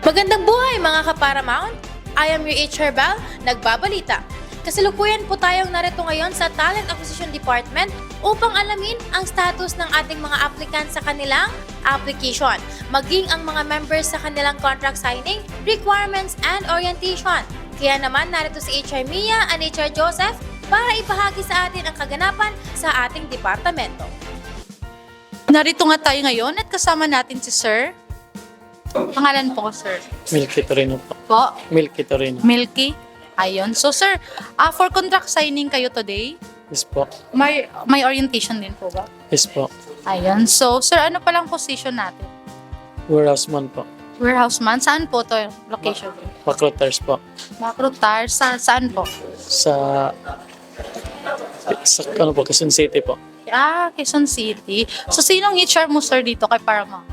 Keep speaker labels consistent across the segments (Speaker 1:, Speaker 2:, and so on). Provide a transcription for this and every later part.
Speaker 1: Magandang buhay mga ka-Paramount! I am your HR Bal, nagbabalita. Kasalukuyan po tayong narito ngayon sa Talent Acquisition Department upang alamin ang status ng ating mga applicant sa kanilang application, maging ang mga members sa kanilang contract signing, requirements, and orientation. Kaya naman narito si HR Mia and HR Joseph para ipahagi sa atin ang kaganapan sa ating departamento.
Speaker 2: Narito nga tayo ngayon at kasama natin si Sir. Pangalan po ko, Sir?
Speaker 3: Milky Torino po.
Speaker 2: Po?
Speaker 3: Milky Torino.
Speaker 2: Milky? Ayun. So, Sir, for contract signing kayo today,
Speaker 3: Yes po.
Speaker 2: may orientation din po ba?
Speaker 3: Yes po.
Speaker 2: Ayun. So, Sir, ano palang position natin?
Speaker 3: Warehouse man po.
Speaker 2: Warehouse man? Saan po to location?
Speaker 3: Recruiters po.
Speaker 2: Macrotar? Saan po?
Speaker 3: Sa ano po, Quezon City po.
Speaker 2: Quezon City. So, sinong HR mo, Sir, dito kay Paramount?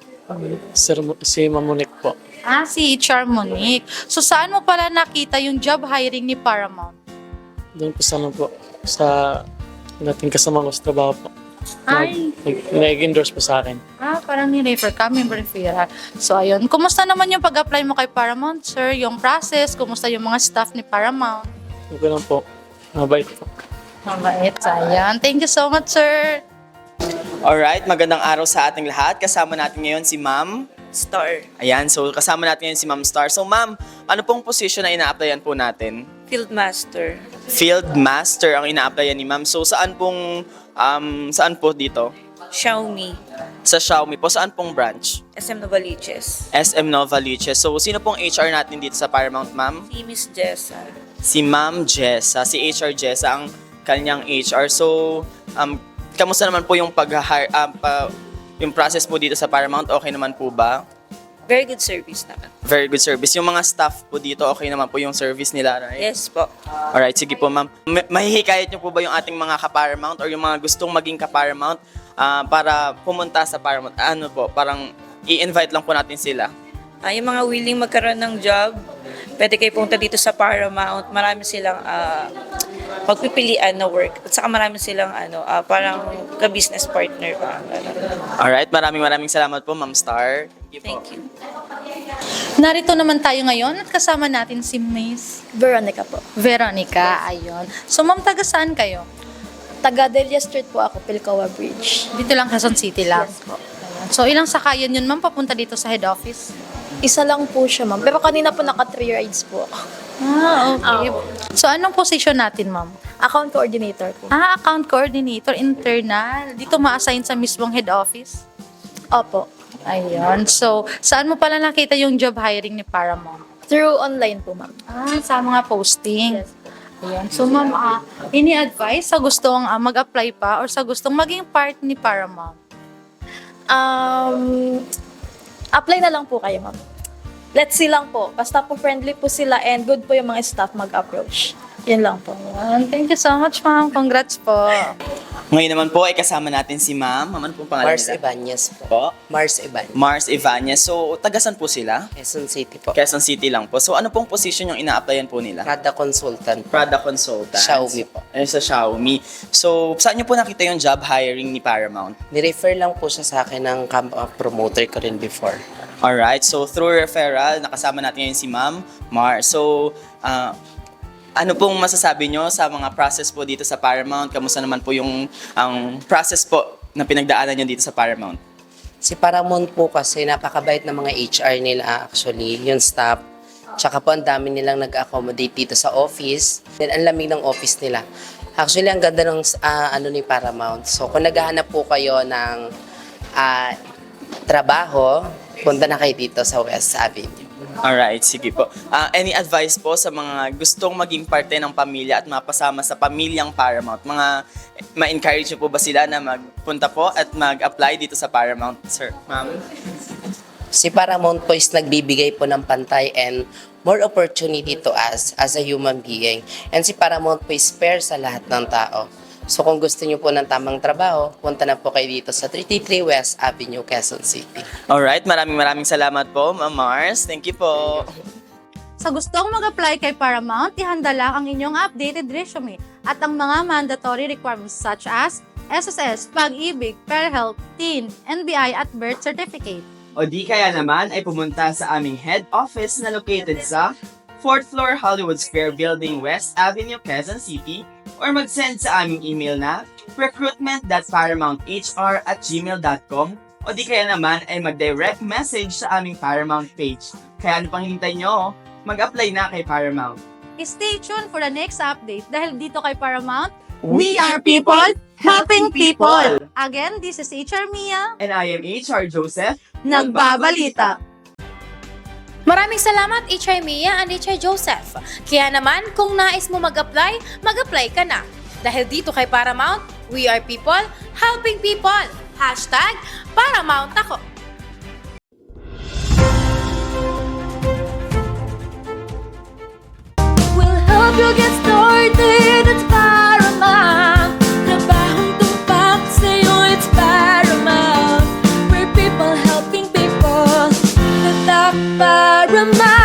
Speaker 3: Si Mamunik po.
Speaker 2: Si HR Monique. So, saan mo pala nakita yung job hiring ni Paramount?
Speaker 3: Doon po sa ano po, sa nating kasama ko sa trabaho po.
Speaker 2: Ay.
Speaker 3: Nag-endorse po sa akin.
Speaker 2: Parang ni-refer ka, may referral. So, ayun. Kumusta naman yung pag-apply mo kay Paramount, Sir? Yung process, kumusta yung mga staff ni Paramount?
Speaker 3: Okay lang po. Mabait po.
Speaker 2: Mabait, ayan. Thank you so much, Sir.
Speaker 4: Alright, magandang araw sa ating lahat. Kasama natin ngayon si Ma'am
Speaker 5: Star.
Speaker 4: Ayan, so kasama natin ngayon si Ma'am Star. So Ma'am, ano pong position na ina-applyan po natin?
Speaker 5: Field Master.
Speaker 4: Field Master ang ina-applyan ni Ma'am. So saan po dito?
Speaker 5: Xiaomi.
Speaker 4: Sa Xiaomi po, saan pong branch?
Speaker 5: SM Novaliches.
Speaker 4: SM Novaliches. So sino pong HR natin dito sa Paramount, Ma'am?
Speaker 5: Si Miss Jessa.
Speaker 4: Si Ma'am Jessa, si HR Jessa ang kanyang HR. So, kamusta naman po yung yung process po dito sa Paramount? Okay naman po ba?
Speaker 5: Very good service naman.
Speaker 4: Very good service. Yung mga staff po dito, okay naman po yung service nila, right?
Speaker 5: Yes po.
Speaker 4: Alright, sige po ma'am. Mahihikayat niyo po ba yung ating mga ka-Paramount or yung mga gustong maging ka-Paramount para pumunta sa Paramount? Ano po, parang i-invite lang po natin sila.
Speaker 5: Yung mga willing magkaroon ng job, pwede kayo pumunta dito sa Paramount. Marami silang pagpipilian na work. At saka marami silang parang ka-business partner pa.
Speaker 4: Alright, maraming salamat po Ma'am Star.
Speaker 5: Thank you.
Speaker 2: Narito naman tayo ngayon at kasama natin si Miss
Speaker 6: Veronica po.
Speaker 2: Veronica. Ayun. So, Ma'am, taga saan kayo?
Speaker 6: Taga Delia Street po ako, Pilcoa Bridge.
Speaker 2: Dito lang, Quezon City lang.
Speaker 6: Yes po.
Speaker 2: Ayun. So, ilang sakayan yun, Ma'am, papunta dito sa head office?
Speaker 6: Isa lang po siya, ma'am. Pero kanina po naka 3 rides po ako.
Speaker 2: Okay. So, anong position natin, Ma'am?
Speaker 6: Account coordinator po.
Speaker 2: Account coordinator, internal. Dito ma-assign sa mismong head office?
Speaker 6: Opo.
Speaker 2: Ayun. So, saan mo pala nakita yung job hiring ni Paramount?
Speaker 6: Through online po, ma'am.
Speaker 2: Sa mga posting.
Speaker 6: Yes po.
Speaker 2: Ayan. So, Ma'am, ini-advise sa gustong mag-apply pa or sa gustong maging part ni Paramount?
Speaker 6: Apply na lang po kayo, ma'am. Let's see lang po. Basta po friendly po sila and good po yung mga staff mag-approach. Yun lang po.
Speaker 2: Ayan. Thank you so much, Ma'am. Congrats po.
Speaker 4: Ngayon naman po ay kasama natin si Ma'am. Ano pong pangalan
Speaker 7: Mars
Speaker 4: nila?
Speaker 7: Ibanez po.
Speaker 4: Po?
Speaker 7: Mars Ibanez.
Speaker 4: Mars Ibanez. So, tagasan po sila?
Speaker 7: Quezon City po.
Speaker 4: Quezon City lang po. So, ano pong position yung ina-applyan po nila?
Speaker 7: Prada Consultant.
Speaker 4: Product consultant.
Speaker 7: Xiaomi po.
Speaker 4: Sa Xiaomi. So, saan niyo po nakita yung job hiring ni Paramount?
Speaker 7: Nirefer lang po siya sa akin ng promoter ko rin before.
Speaker 4: Alright, so through referral, nakasama natin ngayon si Ma'am Mar. So, ano pong masasabi nyo sa mga process po dito sa Paramount? Kamusta naman po yung process po na pinagdaanan nyo dito sa Paramount?
Speaker 7: Si Paramount po kasi napakabait ng mga HR nila actually, yung staff. Tsaka po ang dami nilang nag-accommodate dito sa office. Then ang lamig ng office nila. Actually, ang ganda ng ni Paramount. So, kung naghahanap po kayo ng trabaho, punta na kayo dito sa West Avenue.
Speaker 4: Alright, sige po. Any advice po sa mga gustong maging parte ng pamilya at mapasama sa pamilyang Paramount? Ma-encourage niyo po ba sila na magpunta po at mag-apply dito sa Paramount, sir? Ma'am?
Speaker 7: Si Paramount po is nagbibigay po ng pantay and more opportunity to us as a human being. And si Paramount po is fair sa lahat ng tao. So kung gusto niyo po ng tamang trabaho, punta na po kayo dito sa 333 West Avenue, Quezon City.
Speaker 4: Alright, maraming salamat po, Ma'am Mars. Thank you po.
Speaker 2: Sa gustong mag-apply kay Paramount, ihanda lang ang inyong updated resume at ang mga mandatory requirements such as SSS, Pag-ibig, PhilHealth, TIN, NBI at birth certificate.
Speaker 4: O di kaya naman ay pumunta sa aming head office na located sa 4th floor Hollywood Square Building, West Avenue, Quezon City, or mag-send sa aming email na recruitment.paramounthr@gmail.com, o di kaya naman ay mag-direct message sa aming Paramount page. Kaya ano pang hintay nyo? Mag-apply na kay Paramount.
Speaker 2: Stay tuned for the next update dahil dito kay Paramount,
Speaker 4: We are people helping people.
Speaker 2: Again, this is HR Mia,
Speaker 4: And I am HR Joseph.
Speaker 2: nagbabalita.
Speaker 1: Maraming salamat HR Mia and HR Joseph. Kaya naman, kung nais mo mag-apply ka na. Dahil dito kay Paramount, we are people helping people. #Paramount ako.
Speaker 8: We'll help you get started. It's Paramount. Trabahong tumpak sa'yo, it's Paramount. We're people helping people. Tatak Paramount.